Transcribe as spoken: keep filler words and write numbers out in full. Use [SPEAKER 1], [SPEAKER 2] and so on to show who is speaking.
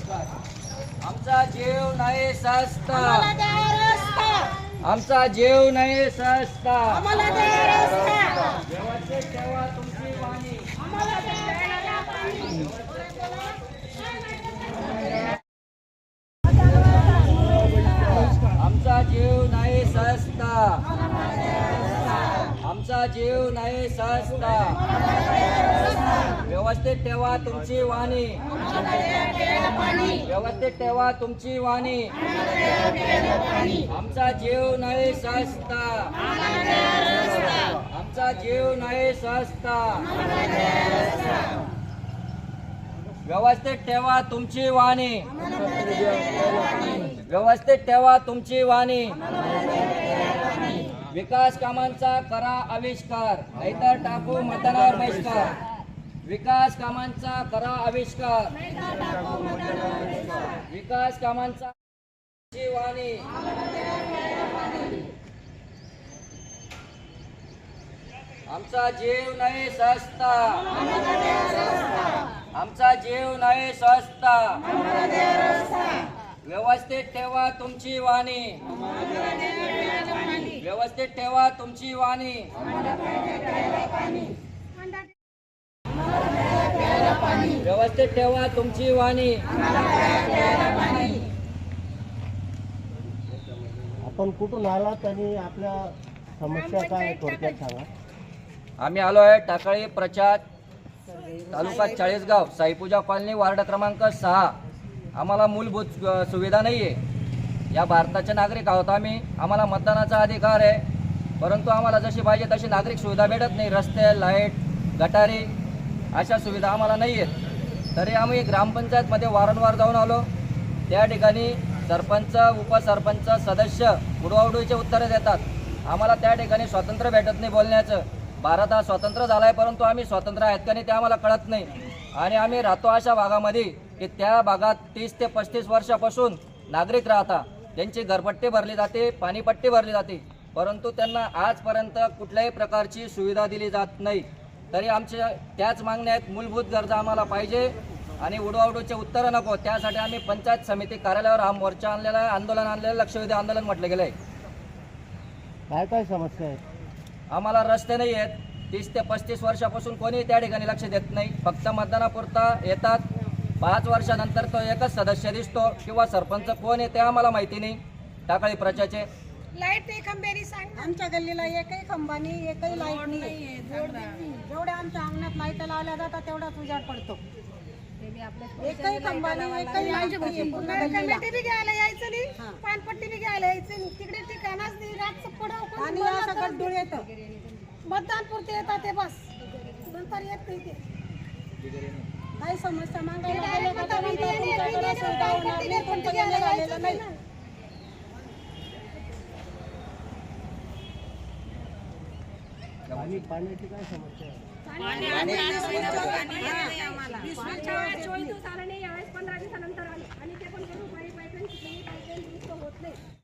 [SPEAKER 1] आमचा जीव नाही सस्ता, आमचा जीव नाही सस्ता, व्यवस्थित ठेवा तुमची वाणी, आमचा जीव नाही सस्ता, आमचा जीव नाही सस्ता, व्यवस्थित ठेवा तुमची वाणी, व्यवस्थित ठेवा तुमची वाणी, आमचा जीव नाही सस्ता, आमचा जीव नाही सस्ता, व्यवस्थित ठेवा तुमची वाणी, व्यवस्थित ठेवा तुमची वाणी, विकास कामांचा करा आविष्कार, नाहीतर टाकू मतदानावर बहिष्कार, विकास कामांचा करा आविष्कार, विकास कामांचा वाणी, आमचा जीव नाही सस्ता, आमचा जीव नाही सस्ता, व्यवस्थित ठेवा तुमची वाणी, व्यवस्थित ठेवा तुमची वाणी, व्यवस्थित ठेवा तुमची वाणी.
[SPEAKER 2] आपण कुठून आलात आणि आपल्या समस्या काय थोडक्यात सांगा.
[SPEAKER 1] आम्ही आलो आहे टाकळी प्रचार तालुका चाळीसगाव साईपूजा कॉलनी वार्ड क्रमांक सहा. आम्हाला मूलभूत सुविधा नाही आहे. या भारताचे नागरिक आहोत आम्ही, आम्हाला मतदानाचा अधिकार आहे, परंतु आम्हाला जशी पाहिजे तशी नागरिक सुविधा भेटत नाही. रस्ते, लाईट, गटारी अशा सुविधा आम्हाला नाही आहेत. तरी आम्ही ग्रामपंचायतमध्ये वारंवार जाऊन आलो. त्या ठिकाणी सरपंच, उपसरपंच, सदस्य उडवाउडवीचे उत्तरं देतात. आम्हाला त्या ठिकाणी स्वातंत्र्य भेटत नाही बोलण्याचं. भारत हा स्वतंत्र झाला आहे, परंतु आम्ही स्वतंत्र आहेत का नाही ते आम्हाला कळत नाही. आणि आम्ही राहतो अशा भागामध्ये की त्या भागात तीस ते पस्तीस वर्षापासून नागरिक राहतात. त्यांची घरपट्टी भरली जाते, पाणीपट्टी भरली जाते, परंतु त्यांना आजपर्यंत कुठल्याही प्रकारची सुविधा दिली जात नाही. तरी आमच्या त्याच मागण्या आहेत. मूलभूत गरजा आम्हाला पाहिजे आणि उडवाउडवीचे उत्तरं नको. त्यासाठी आम्ही पंचायत समिती कार्यालयावर हा मोर्चा आणलेला आहे, आंदोलन आणलेलं, लक्षवेधी आंदोलन म्हटलं गेलं आहे.
[SPEAKER 2] काय काय समस्या आहेत.
[SPEAKER 1] आम्हाला रस्ते नाही आहेत. तीस ते पस्तीस वर्षापासून कोणी त्या ठिकाणी लक्ष देत नाही. फक्त मतदानापुरता येतात. पाच वर्षानंतर तो एकच सदस्य दिसतो किंवा सरपंच कोण आहे ते आम्हाला माहिती नाही. टाकळी प्रचाचे
[SPEAKER 3] लाईट एक खंबेरी सांग. आमच्या गल्लीला एकही खंबा नाही, एकही लाईट नाही. जेवढ्या आमच्या अंगणात लाईट लावल्या जातात तेवढाच उजाड पडतो. एकही खंबा नाही, एकही लाईट नाही. कमिटी बी घ्यायला यायचं नाही, पानपट्टी बी घ्यायला यायचं नाही. तिकडे ठिकाणच नाही. रातचं पडाव आणि असं गड्डूळ येतं. मतदान पुरते येतात ते बस, नंतर येत नाही ते. काही समस्या मागायला गेले का तर म्हणतात तुमच्याकडे सुविधा होणार नाही, तुमचं गेलं झालेलं नाही.
[SPEAKER 2] आणि पाण्याची काय समस्या आहे.
[SPEAKER 3] चोवीस दिवस आला नाही, यावेळेस पंधरा दिवसानंतर आले आणि ते पण पाईप पाईप होत नाही.